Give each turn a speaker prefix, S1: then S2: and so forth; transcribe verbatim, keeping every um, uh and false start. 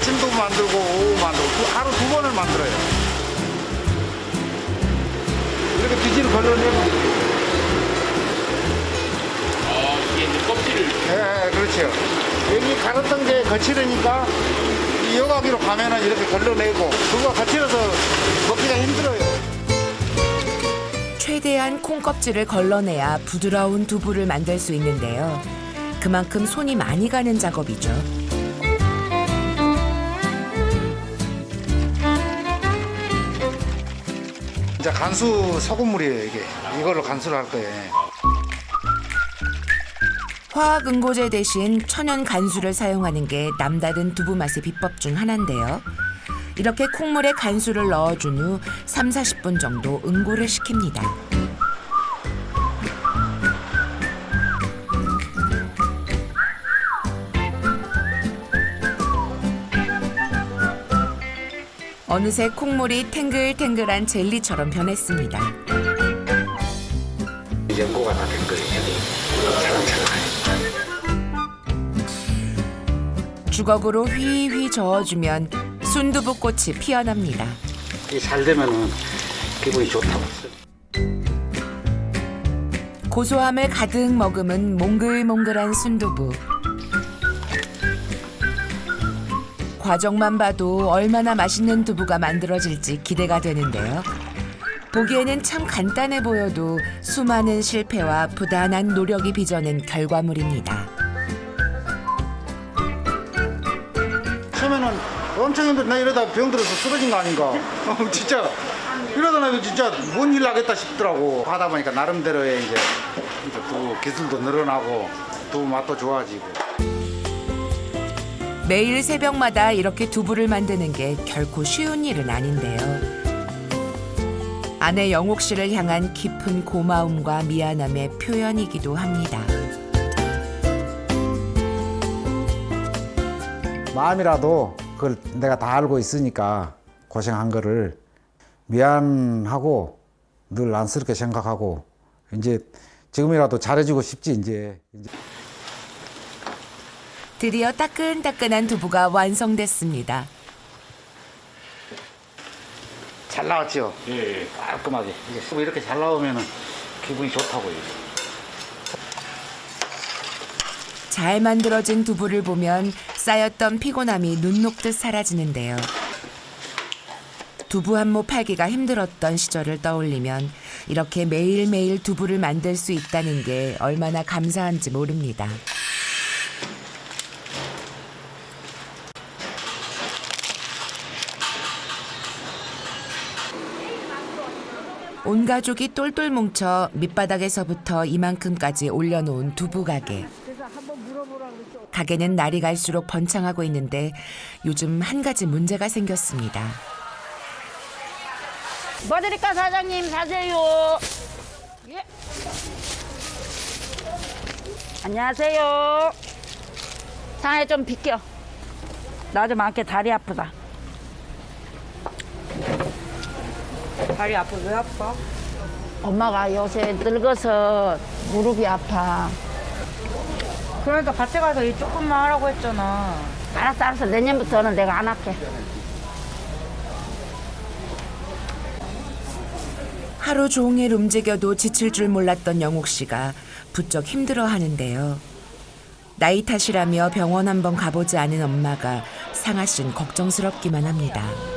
S1: 아침도 만들고 오후 만들고 두- 하루 두 번을 만들어요. 이렇게 뒤지를 걸러내면
S2: 아, 이게 이제 껍질을.
S1: 예, 예, 그렇죠. 여기 갈았던 게 거칠으니까 이 여과기로 가면은 이렇게 걸러내고 그거 거칠어서 먹기가 힘들어요.
S3: 최대한 콩껍질을 걸러내야 부드러운 두부를 만들 수 있는데요. 그만큼 손이 많이 가는 작업이죠.
S1: 이제 간수 소금물이에요, 이게. 이걸로 간수를 할 거예요.
S3: 화학 응고제 대신 천연 간수를 사용하는 게 남다른 두부 맛의 비법 중 하나인데요. 이렇게 콩물에 간수를 넣어준 후 삼, 사십 분 정도 응고를 시킵니다. 어느새 콩물이 탱글탱글한 젤리처럼 변했습니다.
S1: 연고가 다 된 거예요.
S3: 주걱으로 휘휘 저어주면 순두부꽃이 피어납니다.
S1: 이게 잘 되면은 기분이 좋다고.
S3: 고소함을 가득 머금은 몽글몽글한 순두부. 과정만 봐도 얼마나 맛있는 두부가 만들어질지 기대가 되는데요. 보기에는 참 간단해 보여도 수많은 실패와 부단한 노력이 빚어낸 결과물입니다.
S1: 처음에는 엄청 힘들어. 나 이러다 병 들어서 쓰러진 거 아닌가. 어, 진짜 이러다 나 진짜 뭔 일 하겠다 싶더라고. 하다 보니까 나름대로의 이제 또 기술도 늘어나고 두부 맛도 좋아지고.
S3: 매일 새벽마다 이렇게 두부를 만드는 게 결코 쉬운 일은 아닌데요. 아내 영옥 씨를 향한 깊은 고마움과 미안함의 표현이기도 합니다.
S4: 마음이라도 그걸 내가 다 알고 있으니까 고생한 거를 미안하고 늘 안쓰럽게 생각하고 이제 지금이라도 잘해주고 싶지 이제.
S3: 드디어 따끈따끈한 두부가 완성됐습니다.
S1: 잘 나왔죠?
S2: 예, 예.
S1: 깔끔하게. 이게 이렇게 잘 나오면 기분이 좋다고요.
S3: 잘 만들어진 두부를 보면 쌓였던 피곤함이 눈 녹듯 사라지는데요. 두부 한 모 팔기가 힘들었던 시절을 떠올리면 이렇게 매일매일 두부를 만들 수 있다는 게 얼마나 감사한지 모릅니다. 온 가족이 똘똘 뭉쳐 밑바닥에서부터 이만큼까지 올려놓은 두부 가게. 가게는 날이 갈수록 번창하고 있는데 요즘 한 가지 문제가 생겼습니다.
S5: 뭐 드릴까 사장님 사세요. 예. 안녕하세요. 상에 좀 비켜. 나 좀 안게 다리 아프다.
S6: 다리 아파? 왜 아파?
S5: 엄마가 요새 늙어서 무릎이 아파.
S6: 그러니까 밭에 가서 일 조금만 하라고 했잖아.
S5: 알았어 알았어 내년부터는 내가 안 할게.
S3: 하루 종일 움직여도 지칠 줄 몰랐던 영옥 씨가 부쩍 힘들어하는데요. 나이 탓이라며 병원 한번 가보지 않은 엄마가 상아 씨는 걱정스럽기만 합니다.